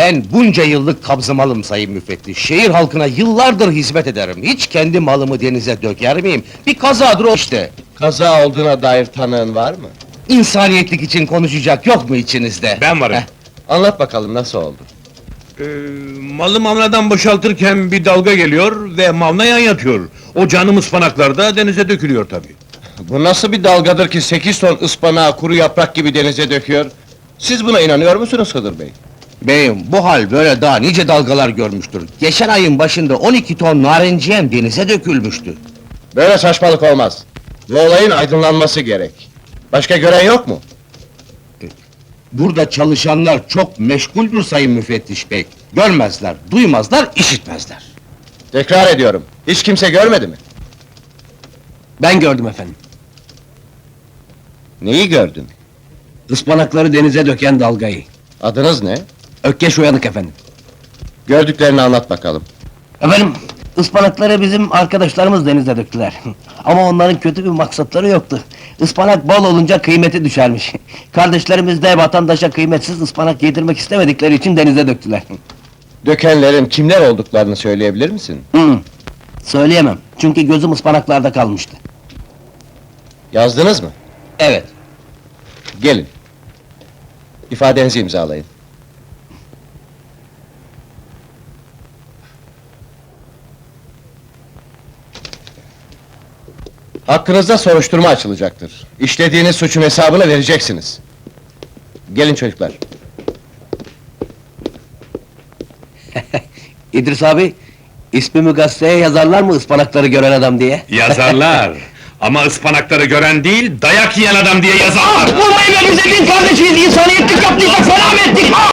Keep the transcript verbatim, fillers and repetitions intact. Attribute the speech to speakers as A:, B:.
A: Ben bunca yıllık kabzımalım sayın müfettiş. Şehir halkına yıllardır hizmet ederim. Hiç kendi malımı denize döker miyim? Bir kazadır o işte.
B: Kaza olduğuna dair tanığın var mı?
A: İnsaniyetlik için konuşacak yok mu içinizde?
C: Ben varım.
A: Heh.
B: Anlat bakalım nasıl oldu?
C: Ee, malı mavnadan boşaltırken bir dalga geliyor ve mavna yan yatıyor. O canım ıspanaklar da denize dökülüyor tabii.
B: Bu nasıl bir dalgadır ki sekiz ton ıspanağı kuru yaprak gibi denize döküyor? Siz buna inanıyor musunuz Hıdır Bey?
A: Beyim, bu hal böyle daha nice dalgalar görmüştür. Geçen ayın başında on iki ton narenciyem denize dökülmüştü.
B: Böyle saçmalık olmaz. Bu olayın aydınlanması gerek. Başka gören yok mu?
A: Burada çalışanlar çok meşguldür sayın müfettiş bey. Görmezler, duymazlar, işitmezler.
B: Tekrar ediyorum. Hiç kimse görmedi mi?
D: Ben gördüm efendim.
B: Neyi gördün?
D: Ispanakları denize döken dalgayı.
B: Adınız ne?
D: Ökkeş Uyanık efendim.
B: Gördüklerini anlat bakalım.
D: Efendim, ıspanakları bizim arkadaşlarımız denize döktüler. Ama onların kötü bir maksatları yoktu. Ispanak bol olunca kıymeti düşermiş. Kardeşlerimiz de vatandaşa kıymetsiz ıspanak yedirmek istemedikleri için denize döktüler.
B: Dökenlerin kimler olduklarını söyleyebilir misin?
D: Hı, söyleyemem, çünkü gözüm ıspanaklarda kalmıştı.
B: Yazdınız mı?
A: Evet.
B: Gelin. İfadenizi imzalayın. Hakkınızda soruşturma açılacaktır. İşlediğiniz suçun hesabını vereceksiniz. Gelin çocuklar.
D: İdris abi, ismimi gazeteye yazarlar mı ıspanakları gören adam diye?
C: Yazarlar! Ama ıspanakları gören değil, dayak yiyen adam diye yazarlar!
D: Vurmayın be, biz senin kardeşiyiz, insaniyetlik yaptıysak selamet!